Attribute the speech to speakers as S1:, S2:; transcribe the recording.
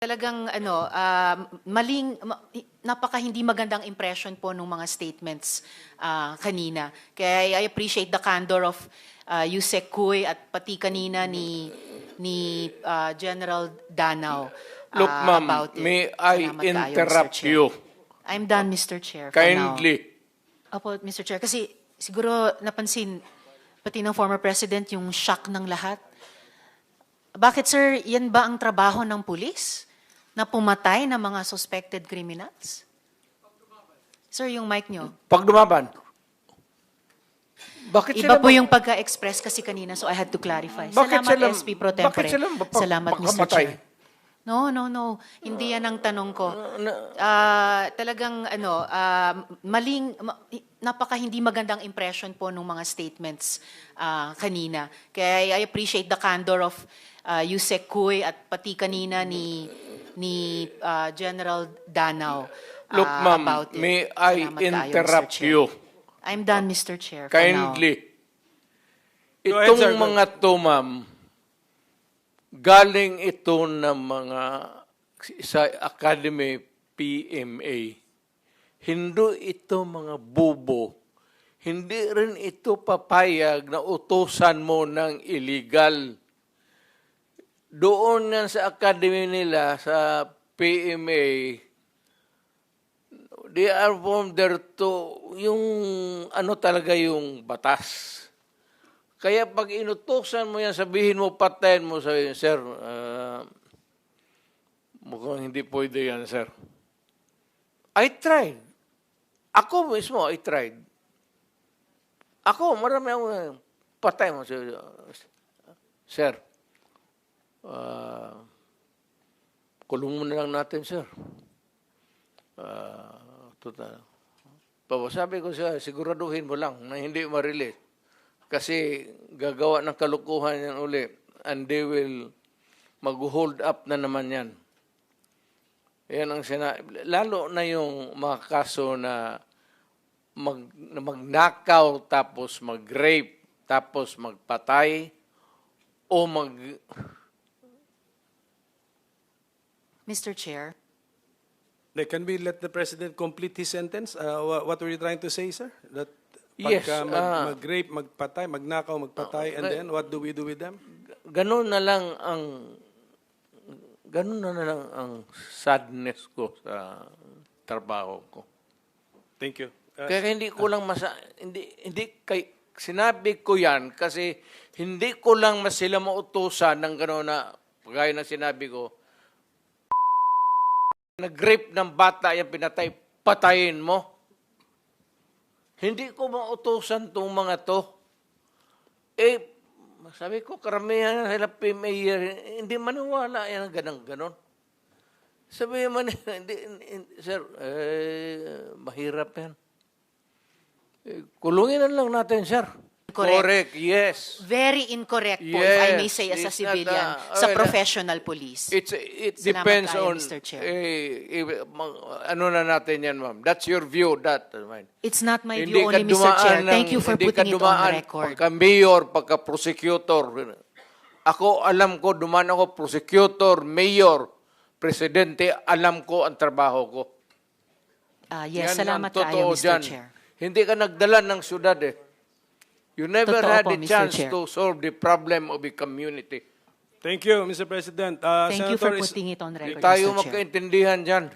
S1: Talagang napaka hindi magandang impression po ng mga statements kanina. Kaya I appreciate the candor of Yusek Kuy at pati kanina ni General Danao
S2: Look, ma'am,
S1: about it.
S2: may I
S1: Salamat kaayo, Mr.
S2: interrupt
S1: Chair.
S2: you
S1: I'm done, Mr. Chair, for now.
S2: kindly?
S1: Opo, Mr. Chair. Kasi siguro napansin, pati ng former president, yung shock ng lahat. Bakit, sir, yan ba ang trabaho ng pulis? Na pumatay ng mga suspected criminals? Sir, yung mic nyo.
S2: Pag dumaban. Bakit
S1: Iba
S2: sila
S1: po yung pagka-express kasi kanina, so I had to clarify.
S2: Bakit
S1: Salamat,
S2: sila-
S1: SP Pro Tempore.
S2: bakit sila
S1: Salamat, Mr.
S2: pagkamatay?
S1: Chair. No. Hindi yan ang tanong ko. Talagang napaka hindi magandang impression po ng mga statements kanina. Kaya I appreciate the candor of Yusek Kuy at pati kanina ni General Danao
S2: Look, ma'am,
S1: about it.
S2: may I
S1: Salamat kaayo, Mr.
S2: interrupt
S1: Chair.
S2: you
S1: I'm done, Mr. Chair, for now.
S2: kindly?
S3: Go ahead, sir.
S2: Itong mga to, ma'am, galing ito ng mga sa Academy PMA. Hindi ito mga bubo. Hindi rin ito papayag na utusan mo ng illegal. Doon yan sa academy nila, sa PMA, they are from there to, yung ano talaga yung batas. Kaya pag inutusan mo yan, sabihin mo, patayin mo, sabihin, sir, mukhang hindi pwede yan, sir. I tried. Ako mismo, I tried. Ako, marami akong patay mo, sir. Kulong mo na lang natin, sir. Total. Sabi ko siya, siguraduhin mo lang na hindi ma-release. Kasi gagawa ng kalukuhan yan uli. And they will mag-hold up na naman yan. Yan ang lalo na yung mga kaso na magnakaw, tapos mag-rape, tapos magpatay, o
S1: Mr. Chair.
S3: Can we let the President complete his sentence? What were you trying to say, sir? That
S2: Yes,
S3: pagka mag-rape, magpatay, magnakaw, magpatay, and then what do we do with them?
S2: Ganun na lang ang sadness ko sa trabaho ko.
S3: Thank you.
S2: Kaya hindi ko lang sinabi ko yan kasi hindi ko lang sila mautusan ng gano'n na gaya ng sinabi ko, nag-rape ng bata, yan pinatay, patayin mo. Hindi ko mautusan itong mga to. Sabi ko, karamihan sila PMA, hindi maniwala yan ang ganon. Sabi man, sir, mahirap yan. Kulungin na lang natin, sir. Correct, yes.
S1: Very incorrect po, if I may say as a
S2: Yes, it's not
S1: civilian, sa professional police.
S2: It
S1: Salamat
S2: depends
S1: kaayo,
S2: on,
S1: Mr. Chair.
S2: ano na natin yan, ma'am. That's your view, mine.
S1: It's not my
S2: Hindi
S1: view
S2: ka
S1: only, Mr. Chair.
S2: dumaan
S1: Thank you for putting it on record.
S2: Pagka-mayor, pagka-prosecutor. Ako, alam ko, dumaan ako, prosecutor, mayor, presidente, alam ko ang trabaho ko.
S1: Yes,
S2: Yan
S1: salamat
S2: ang totoo
S1: kaayo, Mr.
S2: dyan.
S1: Chair.
S2: Hindi ka nagdala ng syudad eh. You never
S1: Totoo
S2: had
S1: po,
S2: a
S1: Mr.
S2: chance
S1: Chair.
S2: to solve the problem of a community.
S3: Thank you, Mr. President.
S1: Thank you for
S3: Senator,
S1: putting it on record,
S2: Tayo
S1: Mr. Chair.
S2: magkaintindihan dyan.